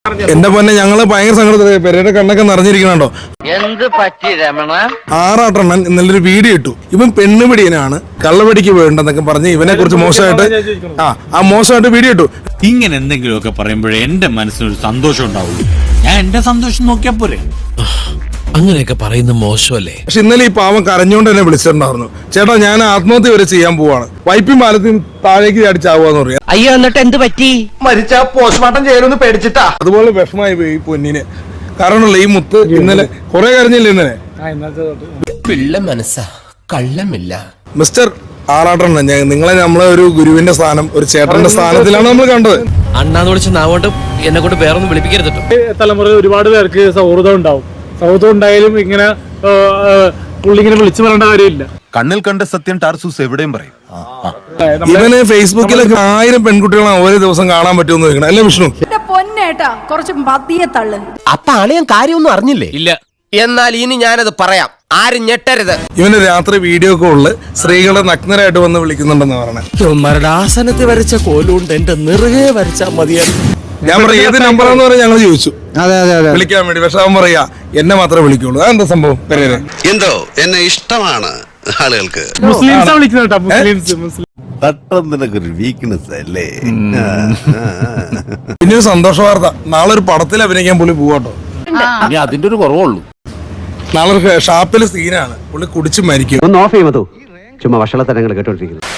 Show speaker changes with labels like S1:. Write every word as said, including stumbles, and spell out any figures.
S1: എന്റെ പൊന്നെ ഞങ്ങള് ഭയങ്കര സങ്കടത്തില് പെരയുടെ കണ്ണൊക്കെ നിറഞ്ഞിരിക്കണോ.
S2: എന്ത് പറ്റി രമണ?
S1: ആറാട്ടെണ്ണൻ ഇന്നലൊരു വീഡിയോ ഇട്ടു. ഇവൻ പെണ്ണുപിടിയനാണ്, കള്ളവടിക്ക് വേണ്ടെന്നൊക്കെ പറഞ്ഞ് ഇവനെ കുറിച്ച് മോശമായിട്ട് ആ ആ മോശമായിട്ട് വീഡിയോ ഇട്ടു.
S3: ഇങ്ങനെ എന്തെങ്കിലുമൊക്കെ പറയുമ്പോഴേ എന്റെ മനസ്സിനൊരു സന്തോഷം ഉണ്ടാവുള്ളൂ. ഞാൻ എന്റെ സന്തോഷം നോക്കിയാ പോരെ.
S4: അങ്ങനെയൊക്കെ പറയുന്ന മോശമല്ലേ.
S1: പക്ഷെ ഇന്നലെ ഈ പാവം കരഞ്ഞോണ്ട് എന്നെ വിളിച്ചിട്ടുണ്ടായിരുന്നു. ചേട്ടാ ഞാൻ ആത്മഹത്യ വരെ ചെയ്യാൻ പോവാണ്, വൈപ്പും പാലത്തും താഴേക്ക് ചാടിച്ചാവുകയെന്ന് പറയാം.
S2: അയ്യോ എന്നിട്ട് എന്ത് പറ്റി?
S5: മരിച്ച പോസ്റ്റ്മോർട്ടം ചെയ്യലൊന്ന് പേടിച്ചിട്ടാ.
S1: അതുപോലെ വിഷമായി പോയി ഈ പൊന്നിന്. കാരണമല്ല ഈ മുത്ത് ഇന്നലെ കുറെ കരഞ്ഞില്ല ഇന്നലെ.
S4: പിള്ള മനസ്സാ കള്ളമില്ല.
S1: മിസ്റ്റർ ആറാട്ടെണ്ണൻ, നിങ്ങളെ നമ്മളെ ഒരു ഗുരുവിന്റെ സ്ഥാനം, ഒരു ചേട്ടന്റെ സ്ഥാനത്തിലാണ് നമ്മൾ കണ്ടത്.
S4: അണ്ണാന്ന് വിളിച്ച നാവോട്ട് എന്നെ കൊണ്ട് വേറൊന്നും വിളിപ്പിക്കരുത്.
S6: തലമുറയിൽ ഒരുപാട് പേർക്ക് സൗഹൃദം ഉണ്ടാവും. സൗഹൃദം ഉണ്ടായാലും ഇങ്ങനെ പുള്ളിങ്ങനെ വിളിച്ചു പറയേണ്ട കാര്യമില്ല.
S7: കണ്ണിൽ കണ്ട സത്യം ടാർസൂസ് എവിടെയും പറയും.
S1: ഇവന് ഫേസ്ബുക്കിലൊക്കെ ആയിരം പെൺകുട്ടികളെ ഓരോ ദിവസം കാണാൻ പറ്റുമെന്ന് ചോദിക്കണം അല്ലേ വിഷ്ണു?
S8: പൊന്നേട്ടാ കുറച്ച് മതിയെ തള്ളു.
S4: അപ്പൊ അളിയൻ കാര്യമൊന്നും അറിഞ്ഞില്ലേ? ഇല്ല. എന്നാൽ ഇനി ഞാനത് പറയാം, ആരും ഞെട്ടരുത്.
S1: ഇവന് രാത്രി വീഡിയോ കോളില് സ്ത്രീകളെ നഗ്നരായിട്ട് വന്ന് വിളിക്കുന്നുണ്ടെന്ന് പറഞ്ഞത്.
S4: ആസനത്തിൽ വരച്ച കോലുകൊണ്ട് എന്റെ നിറകെ വരച്ചാ മതിയാ.
S1: ഞാൻ പറയാം ഏത് നമ്പറാന്ന് പറഞ്ഞാൽ ഞങ്ങൾ ചോദിച്ചു വിളിക്കാൻ വേണ്ടി. പക്ഷെ അവൻ പറയാ എന്നെ മാത്രമേ വിളിക്കുള്ളൂ. അതെന്താ സംഭവം? പെരേര
S9: എന്തോ എന്നെ ഇഷ്ടമാണ് ആളുകൾക്ക്.
S6: മുസ്ലിംസാ വിളിക്കുന്നത് കേട്ടോ, മുസ്ലിംസ് മുസ്ലിം
S9: തട്ടൊരു വീക്ക്നെസ് അല്ലേ.
S1: പിന്നെ ഒരു സന്തോഷ വാർത്ത, നാളെ ഒരു പടത്തിൽ അഭിനയിക്കാൻ പുള്ളി പോവാട്ടോ.
S4: ഇനി അതിന്റെ ഒരു കുറവുള്ളൂ.
S1: നാളെ ഷാപ്പില് സീനാണ്, പുള്ളി കുടിച്ച് മരിക്കും.
S5: ഒന്ന് ഓഫ് ചെയ്യുമോ? ചുമ്മാ വഷളത്തരങ്ങൾ കേട്ടോണ്ടിരിക്കുന്നു.